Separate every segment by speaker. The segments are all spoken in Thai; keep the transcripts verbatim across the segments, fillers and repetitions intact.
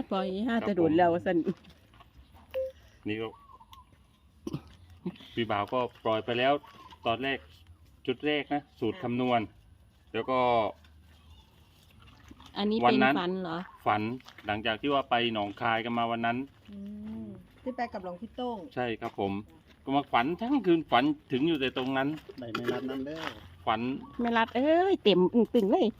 Speaker 1: ปล่อยห้าจะโดดแล้วสัน
Speaker 2: นี่ก็พี่บ่าวก็ปล่อยไปแล้วตอนแรกจุดแรกนะสูตรคำนวณแล้วก็
Speaker 1: อันนี้เป็นฝันเหรอ
Speaker 2: ฝันหลังจากที่ว่าไปหนองคายกันมาวันนั้น
Speaker 3: ที่ไปกับหลวงพี่โต้ง
Speaker 2: ใช่ครับผมก็มาฝันทั้งคืนฝันถึงอยู่แต่ตรงนั้น
Speaker 4: ได้ไม่รัดนั่นเด้อ
Speaker 2: ฝัน
Speaker 1: ไม่รัดเอ้ยเต็มตึงเลย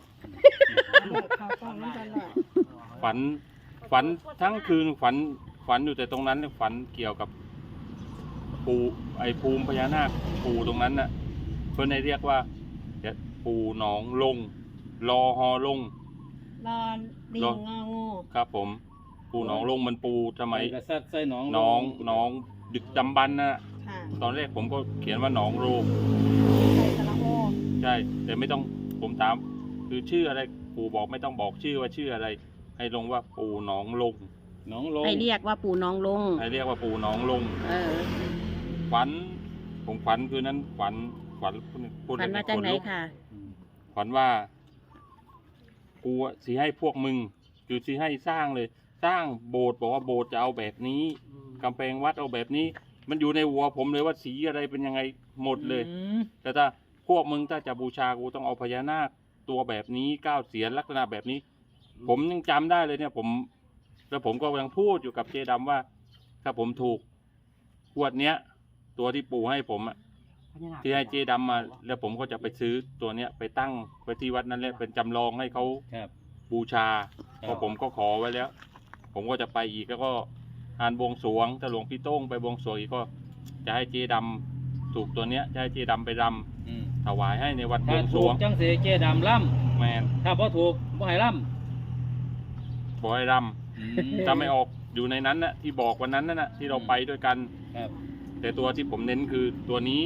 Speaker 2: ฝันฝันทั้งคืนฝันฝันอยู่แต่ตรงนั้นฝันเกี่ยวกับปูไอภูมิพญานาคปูตรงนั้นน่ะเพื่อนให้เรียกว่าปูหนองลงรอฮอลง
Speaker 3: รอลิงงองู
Speaker 2: ครับผมปูหนองลงมันปูทำไม
Speaker 4: กระซัดใส่หนอง
Speaker 2: น้องน้องดึกดำบรรพ์นะตอนแรกผมก็เขียนว่าหนองโรง
Speaker 3: ใส่สระโอ
Speaker 2: ใช่แต่ไม่ต้องผมถามคือชื่ออะไรปู่บอกไม่ต้องบอกชื่อว่าชื่ออะไรให้ลงว่าปู่หนองลง
Speaker 4: หนองลง
Speaker 1: ให้เรียกว่าปู่หนองลง
Speaker 2: ให้เรียกว่าปู่หนองลง
Speaker 1: เออ
Speaker 2: ฝันผมฝันคือนั้นฝันฝัน
Speaker 1: พูดฝันมาจากไหนค่ะ
Speaker 2: ฝันว่ากูสิให้พวกมึงคือสิให้สร้างเลยสร้างโบสถ์บอกว่าโบสถ์จะเอาแบบนี้กำแพงวัดเอาแบบนี้มันอยู่ในหัวผมเลยว่าสีอะไรเป็นยังไงหมดเลยแต่ถ้าพวกมึงถ้าจะบูชากูต้องเอาพญานาคตัวแบบนี้เก้าเสียนลักษณะแบบนี้ผมยังจำได้เลยเนี่ยผมแล้วผมก็ยังพูดอยู่กับเจดำว่าถ้าผมถูกขวดเนี้ยตัวที่ปู่ให้ผมอะที่ให้เจดำมาแล้วผมก็จะไปซื้อตัวเนี้ยไปตั้งไปที่วัดนั้นแหละเป็นจำลองให้เขาบูชาเพราะผมก็ขอไว้แล้วผมก็จะไปอีกแล้วก็งานบวงสรวงถ้าหลวงพี่โต้งไปบวงสรวงอีกก็จะให้เจดำถูกตัวเนี้ยจะให้เจดำไปรำถวายให้ในวันบวงสรวง
Speaker 4: จังเสเจดำล่
Speaker 2: ำแมน
Speaker 4: ถ้าพอถูกบ่ให้ล่ำ
Speaker 2: บ่ให้รำถ้าไม่ออกอยู่ในนั้นนะที่บอกวันนั้นนั่นนะที่เราไปด้วยกันแต่ตัวที่ผมเน้นคือตัวนี้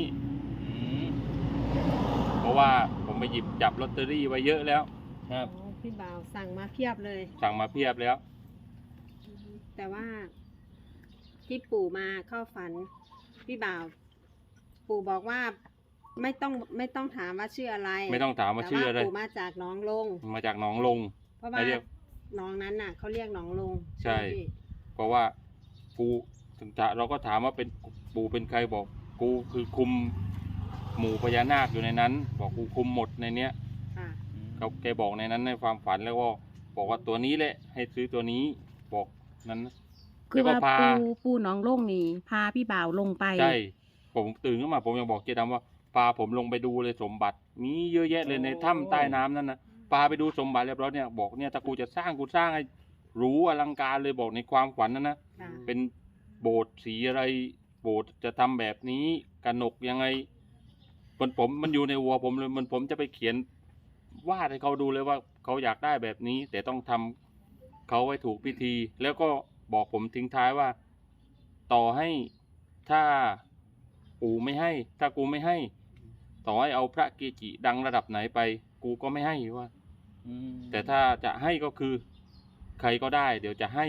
Speaker 2: เพราะว่าผมไปหยิบจับลอตเตอรี่ไว้เยอะแล้ว
Speaker 3: ครับพี่บ่าวสั่งมาเพียบเลย
Speaker 2: สั่งมาเพียบแล้ว
Speaker 3: แต่ว่าที่ปู่มาเข้าฝันพี่บ่าวปู่บอกว่าไม่ต้องไม่ต้องถามว่าชื่ออะไร
Speaker 2: ไม่ต้องถามว่าชื่ออะไร
Speaker 3: ปู่มาจากหนองลง
Speaker 2: มาจากหนองลง
Speaker 3: เพราะว่าหนองนั้นน่ะเขาเรียกหนองลง
Speaker 2: ใช่เพราะว่าปู่ถึงจะเราก็ถามว่าเป็นปู่เป็นใครบอกกูคือคุมหมู่พญานาคอยู่ในนั้นบอกกูคุมหมดในเนี้ยเขาแกบอกในนั้นในความฝันแล้วก็บอกว่าตัวนี้แหละให้ซื้อตัวนี้บอกนั้น
Speaker 1: คือว่าปูปูหนองลงนี่พาพี่บ่าวลงไป
Speaker 2: ใช่ผมตื่นขึ้นมาผมยังบอกเจดำว่าพาผมลงไปดูเลยสมบัติมีเยอะแยะเลยในถ้ำใต้น้ำนั่นนะพาไปดูสมบัติเรียบร้อยเนี่ยบอกเนี่ยถ้ากูจะสร้างกูสร้างให้หรูอลังการเลยบอกในความฝันนั่นนะเป็นโบสถ์สีอะไรโบสถ์จะทำแบบนี้กระหนกยังไงมันผมมันอยู่ในหัวผมเลยมันผมจะไปเขียนวาดให้เขาดูเลยว่าเขาอยากได้แบบนี้แต่ต้องทำเขาไว้ถูกพิธีแล้วก็บอกผมทิ้งท้ายว่าต่อให้ถ้าปู่ไม่ให้ถ้ากูไม่ให้ต่อให้เอาพระเกจิดังระดับไหนไปกูก็ไม่ให้ว่าแต่ถ้าจะให้ก็คือใครก็ได้เดี๋ยวจะให้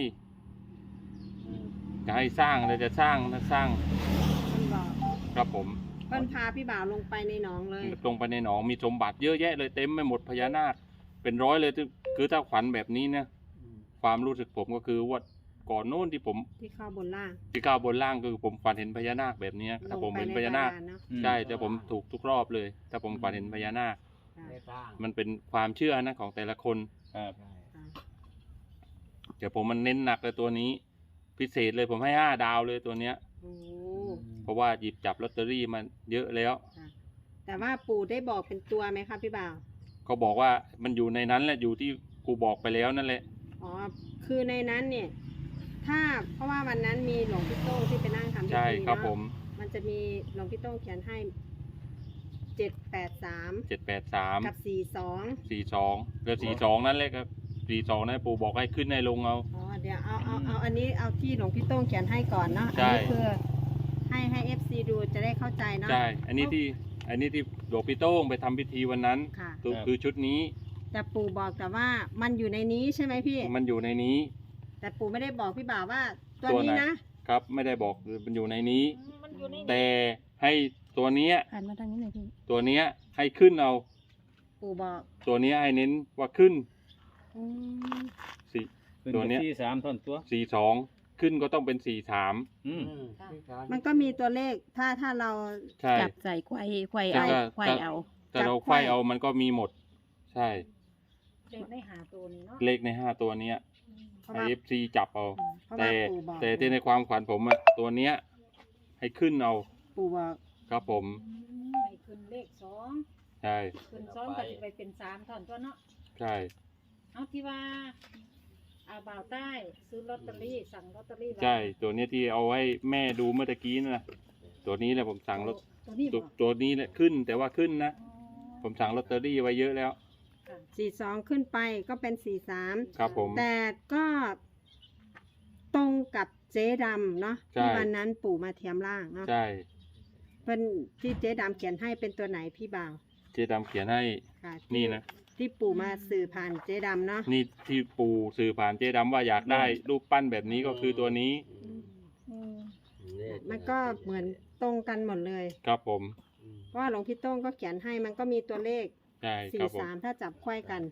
Speaker 2: จะให้สร้างเลยจะสร้างนะสร้างครับผม
Speaker 3: เพิ่นพาพี่บ่าวลงไปในหนองเลย
Speaker 2: ลงไปในหนองมีสมบัติเยอะแยะเลยเต็มไปหมดพญานาคเป็นร้อยเลยคือถ้าฝันแบบนี้เนี่ยความรู้สึกผมก็คือว่าก่อนโน้นที่ผม
Speaker 3: ที่ข้าวบนล่าง
Speaker 2: ที่ข้าวบนล่างคือผมฝันเห็นพญานาคแบบนี้ถ้าผมเห็นพญานาคใช่แต่ผมถูกทุกรอบเลยถ้าผมฝันเห็นพญานาคมันเป็นความเชื่อนะของแต่ละคนเดี๋ยวผมมันเน้นหนักเลยตัวนี้พิเศษเลยผมให้ห้าดาวเลยตัวเนี้ยเพราะว่าหยิบจับลอตเตอรี่มันเยอะแล้ว
Speaker 3: แต่ว่าปู่ได้บอกเป็นตัวไหมครับพี่บ่าว
Speaker 2: เขาบอกว่ามันอยู่ในนั้นแหละอยู่ที่กูบอกไปแล้วนั่นแหละ
Speaker 3: อ๋อคือในนั้นเนี่ยถ้าเพราะว่าวันนั้นมีหลวงพี่โต้งที่ไปนั่งทำพิธี
Speaker 2: ใช่ครับผม
Speaker 3: มันจะมีหลวงพี่โต้งเขียนให้เจ็ดแปดสาม
Speaker 2: เจ็ดแปดสาม
Speaker 3: กับสี่สอง
Speaker 2: สี่สองแล้วสี่สองนั่นแหละครับสี่สองนั่นปู่บอกให้ขึ้นในลงเอา
Speaker 3: อ๋อเดี๋ยวเอาเอาเอาอันนี้เอาที่หลวงพี่โต้งเขียนให้ก่อนเนาะอันนี้คือให้ให้เอฟซีดูจะได้เข้าใจเนาะ
Speaker 2: ใช่อันนี้ที่อันนี้ที่หลวงพี่โต้งไปทำพิธีวันนั้นตัวคือชุดนี้
Speaker 3: แต่ปู่บอกแต่ว่ามันอยู่ในนี้ใช่ไหมพี่
Speaker 2: มันอยู่ในนี้
Speaker 3: แต่ปู่ไม่ได้บอกพี่บ่าวว่าตัวนี้นะครับ
Speaker 2: ไม่ได้บอกมันอยู่ในนี้แต่ให้ตัวเนี้ย
Speaker 1: หันมาทางนี้หน่อยพี่
Speaker 2: ตัวเนี้ยให้ขึ้นเอา
Speaker 3: ปู่บอก
Speaker 2: ตัวเนี้ยให้เน้นว่าขึ้นสี่
Speaker 4: ขึ้น
Speaker 2: ตัวเนี้ย
Speaker 4: ที่สามท่อนตัว
Speaker 2: สี่สองขึ้นก็ต้องเป็นสี่สาม
Speaker 4: อืม
Speaker 3: มันก็มีตัวเลขถ้าถ้าเรา
Speaker 2: ใช่
Speaker 1: จับใส่ไขว้ไขว้
Speaker 2: แต่
Speaker 1: เอา
Speaker 2: ก็
Speaker 1: ไขว้เอา
Speaker 2: แต่เราไขว้เอามันก็มีหมด ใช่
Speaker 5: เลขได้หาตัวนี้เนาะ
Speaker 2: เลขในห้าตัวเนี้ย
Speaker 3: เพราะ
Speaker 2: ไอ
Speaker 3: ว่า
Speaker 2: เอฟซีจับเอา
Speaker 3: เพราะ
Speaker 2: แต่
Speaker 3: ว่าปู่บอก
Speaker 2: แต่ที่ในความขวัญผมอะตัวเนี้ย ให้ขึ้นเอา
Speaker 3: ปู่บอก
Speaker 2: ครับผม
Speaker 5: ให้ขึ้นเลขสอง
Speaker 2: ใช่
Speaker 5: ขึ้นสองก็จะไปเป็นสามท่อนตัวเนาะ
Speaker 2: ใช่
Speaker 5: เอาที่ว่าอาบ่าวใต้ซื้อลอตเตอรี่สั่งลอตเตอรี่ไว้
Speaker 2: ใช่ตัวเนี้ยที่เอาให้แม่ดูเมื่อตะกี้นะ ตัวนี้แหละผมสั่งรถ
Speaker 5: ตัวนี้
Speaker 2: ตั
Speaker 5: บ่
Speaker 2: วตัวนี้แหละขึ้น แต่ว่าขึ้นนะ
Speaker 5: อ๋อ
Speaker 2: ผมสั่งลอตเตอรี่ไว้เยอะแล้ว
Speaker 5: ค่ะ
Speaker 3: สี่สองขึ้นไปก็เป็นสี่สาม
Speaker 2: ครับผม
Speaker 3: แต่ก็ตรงกับเจ๊ดำเนาะ
Speaker 2: ใช่
Speaker 3: ที่วันนั้นปู่มาเทียมร่างเนาะ
Speaker 2: ใช่
Speaker 3: เพิ่นที่เจ๊ดำเขียนให้เป็นตัวไหนพี่บ่าว
Speaker 2: เจ๊ดำเขียนให้
Speaker 3: ค่ะที่
Speaker 2: นี่นะ
Speaker 3: ที่ปู่มาสื่อผ่านเจ๊ดำเนาะ
Speaker 2: นี่ที่ปู่สื่อผ่านเจ๊ดำว่าอยากได้รูปปั้นแบบนี้ก็คือตัวนี้
Speaker 5: อืม
Speaker 3: มันก็เหมือนตรงกันหมดเลย
Speaker 2: ครับผม
Speaker 3: เพราะว่าหลวงพี่โต้งก็เขียนให้มันก็มีตัวเลข
Speaker 2: ใช่ค
Speaker 3: สี่
Speaker 2: รับผม
Speaker 3: สามถ้าจับค่อยกัน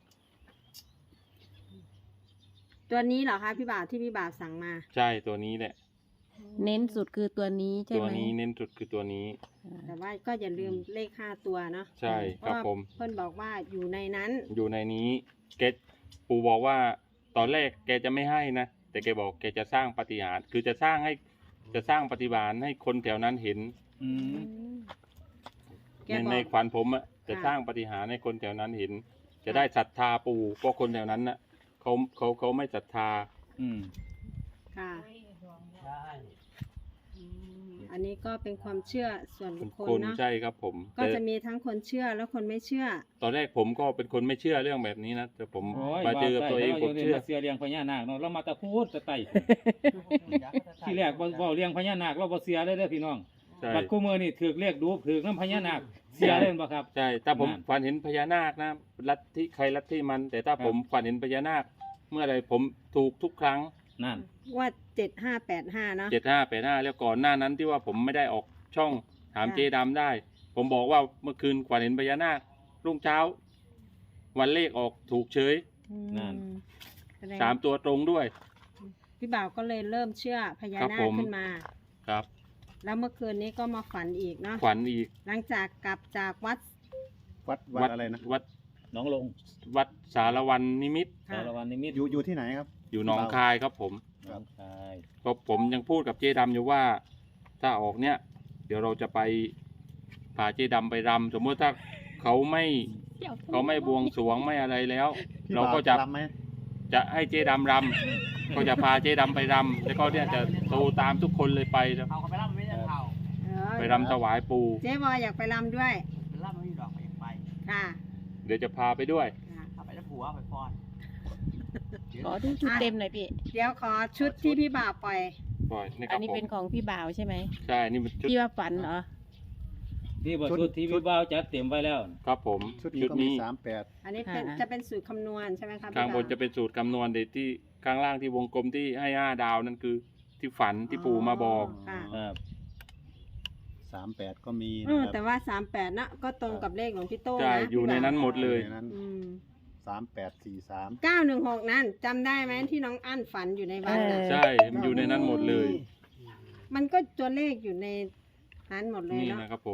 Speaker 3: ตัวนี้เหรอคะพี่บ่าวที่พี่บ่าวสั่งมา
Speaker 2: ใช่ตัวนี้แหละ
Speaker 1: เน้นสุดคือตัวนี้ใช่
Speaker 2: ตัว
Speaker 1: ไหม
Speaker 2: นี้เน้นสุดคือตัวนี้
Speaker 3: แต่ว่าก็อย่าลืมเลขห้าตัวเนาะ
Speaker 2: ใช่
Speaker 3: เพ
Speaker 2: ครั
Speaker 3: ราะ
Speaker 2: บ
Speaker 3: ว่า
Speaker 2: ผม
Speaker 3: เพื่อนบอกว่าอยู่ในนั้น
Speaker 2: อยู่ในนี้แกปู่บอกว่าตอนแรกแกจะไม่ให้นะแต่แกบอกแกจะสร้างปาฏิหาริย์คือจะสร้างให้จะสร้างปฏิบาลให้คนแถวนั้นเห็น
Speaker 4: อืม
Speaker 3: แก
Speaker 2: ใน
Speaker 3: บอก
Speaker 2: ในขวัญผมอะจะ
Speaker 3: ค่ะ
Speaker 2: สร้างปฏิหาริย์ให้คนแถวนั้นเห็น จะได้ศรัทธาปู่เพราะคนแถวนั้นน่ะเขาเขาเขาไม่ศรัทธา
Speaker 4: อืม
Speaker 3: ค่ะ
Speaker 5: ไว้ดวงเนาะ
Speaker 3: อืมอันนี้ก็เป็นความเชื่อส่วน
Speaker 2: เป็
Speaker 3: บุ
Speaker 2: น
Speaker 3: คคล
Speaker 2: คน
Speaker 3: เนาะ
Speaker 2: ใช่ครับผม
Speaker 3: ก็
Speaker 2: แต่
Speaker 3: จะมีทั้งคนเชื่อและคนไม่เชื่อ
Speaker 2: ตอนแรกผมก็เป็นคนไม่เชื่อเรื่องแบบนี้นะแต่ผม
Speaker 4: โอ้ย
Speaker 2: มาเจอกับตัวเอง
Speaker 4: ว่า
Speaker 2: ผม
Speaker 4: ได้
Speaker 2: เชื่อ
Speaker 4: เราเสียเลี้ยงพญานาคเนาะเรามาแตะพูดแตะไต่ที่แรกบ่บ่เลี้ยงพญานาคเราบ่เสียเลยเด้อพี่น้อง
Speaker 2: ใช่
Speaker 4: บัดคู่มือนี่ถือเลขดูถือน้ำพญานาคเสียเล่นบ่ครับ
Speaker 2: ใช่ถ้าผม
Speaker 4: นั่น
Speaker 2: ฝันเห็นพญานาคนะลัทธิใครลัทธิมัน แต่ถ้า
Speaker 4: ครับ
Speaker 2: ผมฝันเห็นพญานาค เมื่อไรผมถูกทุกครั้ง
Speaker 4: นั่น
Speaker 3: ว่าเจ็ดห้าแปดห้าเนาะ
Speaker 2: เจ็ดห้าแปดห้าแล้วก่อนหน้านั้นที่ว่าผมไม่ได้ออกช่องถาม
Speaker 3: ค่ะ
Speaker 2: เจดำได้ ผมบอกว่าเมื่อคืนฝันเห็นพญานาครุ่งเช้า วันเลขออกถูกเฉย
Speaker 4: นั่น
Speaker 3: แสดง
Speaker 2: สามตัวตรงด้วย
Speaker 3: พี่บ่าวก็เลยเริ่มเชื่อพญา
Speaker 2: ครับ
Speaker 3: นา
Speaker 2: ผ
Speaker 3: ค
Speaker 2: ม
Speaker 3: ขึ้นมา
Speaker 2: ครับ
Speaker 3: แล้วเมื่อคืนนี้ก็มาฝันอีกเนาะ
Speaker 2: ขวัญอีก
Speaker 3: หลังจากกลับจากวัด
Speaker 6: วัดวัดอะไรนะ
Speaker 2: วัด
Speaker 4: น้องลง
Speaker 2: วัดสารวันนิมิตร
Speaker 3: ค่ะ
Speaker 4: สารวันนิมิตร
Speaker 6: อยู่อยู่ที่ไหนครับ
Speaker 2: อยู่หนองคายครับผม
Speaker 4: น้องชาย
Speaker 2: ก็ผมยังพูดกับเจดำอยู่ว่า ถ้าออกเนี้ยเดี๋ยวเราจะไปพาเจดำไปรำสมมติถ้าเขาไม่เขาไม่บวงสรวงไม่อะไรแล้ว
Speaker 6: พี่
Speaker 2: เราก็
Speaker 6: บ่ว
Speaker 2: จะ
Speaker 6: รำไหม
Speaker 2: จะให้เจดำรำ ก็จะพาเจดำไปรำแล้วก็เนี่ยจะโตตามทุกคนเลยไปนะ
Speaker 7: เขาก็ไปรับมันไม่ได้เขา
Speaker 3: เออ
Speaker 2: ไปรำถวายปู
Speaker 3: เจ๊บอยอยากไปรำด้วย
Speaker 7: ไปรับมันไม่ดอกไปยังไป
Speaker 3: ค่ะ
Speaker 2: เดี๋ยวจะพาไปด้วย
Speaker 3: ค่ะ
Speaker 7: ถ้าไปแล้วผัวไปฟอน
Speaker 1: ขอดูชุดเต็มหน่อยพี่
Speaker 3: เดี๋ยวขอชุดที่พี่บ่าวปล่อย
Speaker 2: ปล่อยนี่ค
Speaker 1: อั
Speaker 2: รั
Speaker 1: น
Speaker 2: บ
Speaker 1: นี้
Speaker 2: ผม
Speaker 1: เป็นของพี่บ่าวใช่ไหม
Speaker 2: ใช่นี่เป็นชุด
Speaker 1: ที่ว่าฝันเหรอ
Speaker 4: นี่บ่ชุดที่พี่บ่าวจัดเต็มไว้แล้ว
Speaker 2: ครับผม
Speaker 6: ชุดนี้ก็มีสามแปด
Speaker 3: อันนี้เป็น
Speaker 1: ค่ะ
Speaker 3: จะเป็นสูตรคำนวณใช่ไหมครับ
Speaker 2: ข้าง
Speaker 3: พี่
Speaker 2: บ
Speaker 3: บ่าน ว
Speaker 2: จะเป็นสูตรคำนวณเด็ที่ข้างล่างที่วงกลมที่ให้ห้าดาวนั่นคือที่ฝันที่ปู่มาบอก
Speaker 3: ค่ะ
Speaker 4: ครับ
Speaker 6: สามแปดก็มี
Speaker 3: เอ
Speaker 6: นะ
Speaker 3: อ
Speaker 6: ค
Speaker 3: แต่
Speaker 6: รับ
Speaker 3: ว่าสามแปดนะก็ตรงกับเลขของพี่โต้ง
Speaker 2: ใช่
Speaker 3: นะ
Speaker 2: อยู่ในนั้นหมดเลย
Speaker 6: ในนั้น
Speaker 3: อืม
Speaker 6: สามแปดสี่สาม
Speaker 3: เก้าหนึ่งหกนั่นจำได้ไหมที่น้องอั้นฝันอยู่ในวัดน่ะ
Speaker 1: เออ
Speaker 2: ใช่มันอยู่ในนั้นหมดเลย
Speaker 3: มันก็ตัวเลขอยู่ในนั้นหมดเลย
Speaker 2: นี่
Speaker 3: เนาะ
Speaker 2: นะครับผม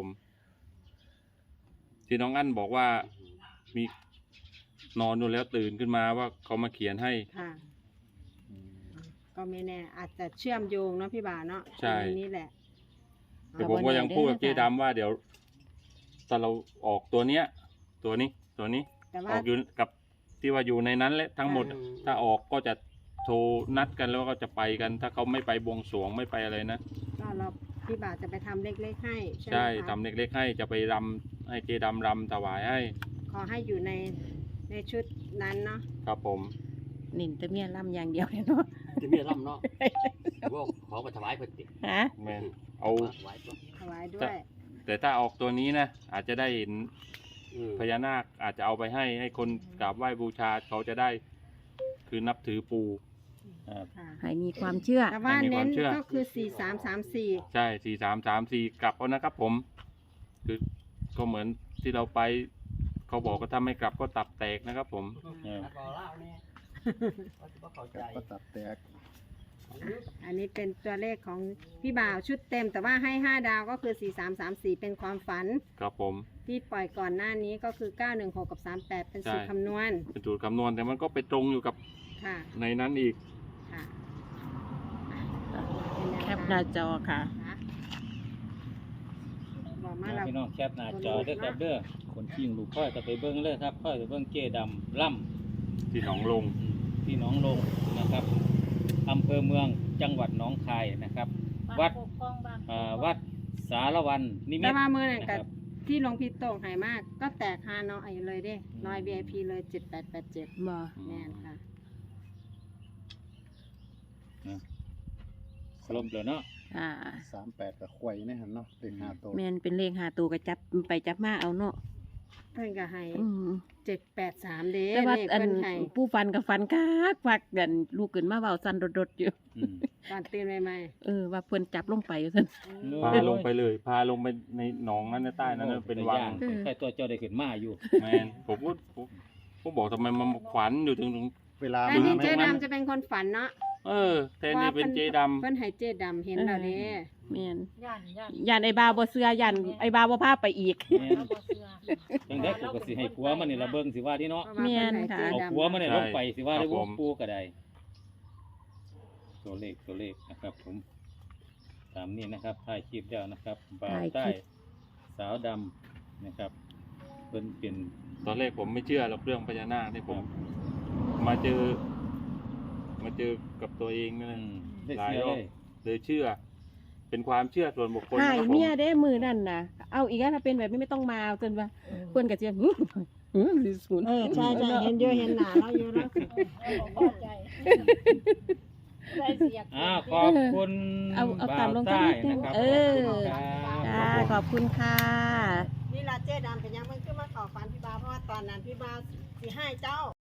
Speaker 2: ที่น้องอั้นบอกว่ามีนอนอยู่แล้วตื่นขึ้นมาว่าเขามาเขียนให้
Speaker 3: ค่ะ ก็ไม่แน่ อาจจะเชื่อมโยงเนาะพี่บ่าวเนาะ
Speaker 2: ใช่
Speaker 3: ตรงนี้แหละ
Speaker 2: แต่ผมก็ยังพูดกับเจ๊ดำว่าเดี๋ยวถ้าเราออกตัวเนี้ย ตัวนี้ตัวนี้
Speaker 3: แต่
Speaker 2: อ
Speaker 3: ว่า
Speaker 2: อกอยู่กับที่ว่าอยู่ในนั้นแหละทั้งหมด ถ้าออกก็จะโทรนัดกันแล้วก็จะไปกัน ถ้าเขาไม่ไปบวงสรวงไม่ไปอะไรนะ
Speaker 3: ก็เราพี่บ่าวจะไปทำเล็กๆให้ใช่ไหม
Speaker 2: ใช่
Speaker 3: คะ
Speaker 2: ทำเล็กๆให้จะไปรำให้เจดำรำถวายให้
Speaker 3: ขอให้อยู่ในในชุดนั้นเนาะ
Speaker 2: ครับผม
Speaker 1: นินแตะเมียล่ำอย่างเดียวเลยเนาะ
Speaker 7: จะมีร่ำเนาะว่าขอมาถวายเพิ่นติ
Speaker 1: ฮะ
Speaker 2: แมนเอา
Speaker 7: ถวายตัว
Speaker 3: ถวายด้วย
Speaker 2: แต่ถ้าออกตัวนี้นะอาจจะได้เห็น
Speaker 7: อืม
Speaker 2: พญานาคอาจจะเอาไปให้ให้คนกราบไหว้บูชาเขาจะได้คือนับถือปู
Speaker 4: ครับ
Speaker 3: ค่ะ
Speaker 1: ให้มีความเชื่อ
Speaker 3: แต่ว่า
Speaker 2: ให้มีค
Speaker 3: เน้
Speaker 2: วาม
Speaker 3: น
Speaker 2: เชื่อ
Speaker 3: ก็คือสี่สามสามสี่
Speaker 2: ใช่สี่สามสามสี่กลับเอานะครับผม คือก็เหมือนที่เราไป เขาบอกก็ถ้าไม่กลับก็ตับแตกนะครับผม
Speaker 4: เออ
Speaker 7: แล้วก็เล่าเนี่ย
Speaker 6: ก็ตัดแตก
Speaker 3: อันนี้เป็นตัวเลขของพี่บ่าวชุดเต็ม แต่ว่าให้ห้าดาวก็คือสี่สามสามสี่เป็นความฝัน
Speaker 2: ครับผม
Speaker 3: ที่ปล่อยก่อนหน้านี้ก็คือเก้าหนึ่งหกกับสามแปดเป็นสูตร
Speaker 2: ใช่
Speaker 3: คำนวณ
Speaker 2: เป็นสูตรคำนวณแต่มันก็ไปตรงอยู่กับ
Speaker 3: ค่ะ
Speaker 2: ในนั้นอีก
Speaker 3: ค่ะ
Speaker 1: แคปหน้าจอค่ะ
Speaker 3: บอกมา
Speaker 4: นะ
Speaker 3: เรา
Speaker 4: พี่น้องแคปหน้าจอเด้อครับเด้อคนขิงลูกค่อยก็ไปเบิ้งเลยครับค่อยไปเบิ้งเจดำล่ำ
Speaker 2: ที่หนองลง
Speaker 4: ที่หนองลงนะครับอำเภอเมืองจังหวัดหนองคายนะครับ วัด
Speaker 5: ปกครองบ้าน
Speaker 4: อ่าวัดสารวันนิมิ
Speaker 3: แต่
Speaker 4: ต
Speaker 3: ว่ามือนั่น
Speaker 4: นะค
Speaker 3: กั
Speaker 4: รั
Speaker 3: บบ ที่หลวงพี่โต่งใหายมาก ก็แตกฮานอยเลยเด้น้อย วี ไอ พี เลยเจ็ดแปดแปดเจ็ด
Speaker 1: บ่
Speaker 3: แม่นค่ะ
Speaker 4: สรุปเลยเนาะ
Speaker 1: อ่า
Speaker 6: สามแปดกับควายนี่ฮะเนาะเลขห้าตัว
Speaker 1: แม่นเป็นเลขหาตัวก็จับไปจับมาเอาเนาะ
Speaker 3: เพิ่นก็ให้
Speaker 1: อืม
Speaker 3: เจ็ดแปดสามเด้
Speaker 1: แต่ว่า
Speaker 3: เลข
Speaker 1: อัน
Speaker 3: เพิ่นให้
Speaker 1: ผู้ฟันกับฟันคักฟักกันลูกขึ้นมาเว้าสั่นรดๆอยู่
Speaker 4: อืม
Speaker 3: ตอนตื่นใหม่
Speaker 1: เออว่าเพิ่นจับลงไปซั่น
Speaker 3: ๆ
Speaker 2: พาลงไปเลย พาลงไปในหนองนั้นในใต้นั้นนะเป็นวัง
Speaker 1: เออ
Speaker 4: ใครตัวเจ้าได้ขึ้นมาอยู่
Speaker 2: แมนผมพูดผมผมบอกทำไมมันขวัญอยู่ถึงถึง
Speaker 6: เวลา
Speaker 3: อันนี้
Speaker 6: มา
Speaker 3: เจ๊
Speaker 6: ไหม
Speaker 3: ดำจะเป็นคนฝันเนาะ
Speaker 2: เออแทนนี่เป็นเจด
Speaker 3: เพิ่นให้เจ๊ดำเห็นแล้วเด้
Speaker 1: แม่น
Speaker 5: ย่านย่าน
Speaker 1: ย่านไอ้บาวบ่เชื่อย่านไอ้บาวบ่พาไปอีก
Speaker 4: แม่น
Speaker 5: เราบ่เชื่อ
Speaker 4: จังได้กูก็สิให้ผัวมันนี่ละเบิ่งสิว่าที่เนาะ
Speaker 3: เพราะว่าเพิ่นให้เจ๊
Speaker 4: เอา
Speaker 3: ดำ
Speaker 4: ผัวมันนี่ลงไปสิว่าได้วงปูก็ได้ตัวเลขตัวเลขนะครับ ผมตามนี้นะครับถ่ายคลิปแล้วนะครับบ่าว
Speaker 1: ถ่ายคลิป
Speaker 4: ใต้สาวดำนะครับเพิ่นเป็น
Speaker 2: ำตอนแรกผมไม่เชื่อหรอกเรื่องพญานาคที่ผม มาเจอ มาเจอกับตัวเองนั่น
Speaker 4: อื
Speaker 2: แหละ
Speaker 4: มได้
Speaker 2: หลาย
Speaker 4: เสีย
Speaker 2: รอ
Speaker 4: เล
Speaker 2: บ
Speaker 4: ย
Speaker 2: เลยเชื่อ เป็นความเชื่อส่วนบุคคล
Speaker 1: หาย
Speaker 2: นะครับผม
Speaker 1: เมียเด้มือนั่นน่ะ เอาอีกแล้วถ้าเป็นแบบนี้ไม่ต้องมาจนว่าเพิ่นก็จะหึหึสิศูนย์
Speaker 3: เออใช่ใช่เห็นเยอะเห็นหนาเราอยู่แล้ว
Speaker 5: เราบ่พอใจได้เสีย
Speaker 4: อ่าขอบคุณ
Speaker 1: เอาเอา
Speaker 4: บ่า
Speaker 1: ตาม
Speaker 4: ว
Speaker 1: ลง
Speaker 4: ใต้
Speaker 1: สักนิดนึง
Speaker 4: นะครับ
Speaker 1: เออ
Speaker 4: ขอบคุณครับ
Speaker 1: จ้าขอบคุณค่ะ
Speaker 3: นี่ล่ะเจ๊ดำเป็นยังมันขึ้นมาขอฝันพี่บาวเพราะว่าตอนนั้นพี่บาวสิให้เจ้า